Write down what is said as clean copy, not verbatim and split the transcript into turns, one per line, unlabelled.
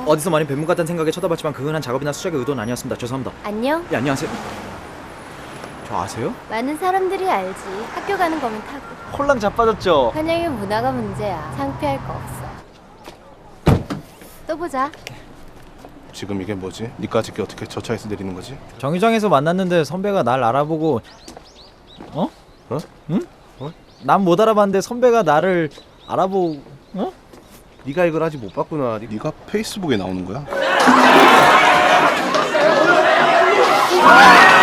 어디서 많이 뵌 분 같다는 생각에 쳐다봤지만 그건 한 작업이나 수작의 의도는 아니었습니다. 죄송합니다.
안녕.
예, 안녕하세요. 저 아세요?
많은 사람들이 알지. 학교 가는 거면 타고.
홀랑 자빠졌죠?
한양의 문화가 문제야. 창피할 거 없어. 또 보자.
지금 이게 뭐지? 니까지 게 어떻게 저 차에서 내리는 거지?
정류장에서 만났는데 선배가 날 알아보고 어?
어?
응?
어?
난 못 알아봤는데 선배가 나를 알아보고 어?
네가 이걸 아직 못 봤구나. 네가 페이스북에 나오는 거야?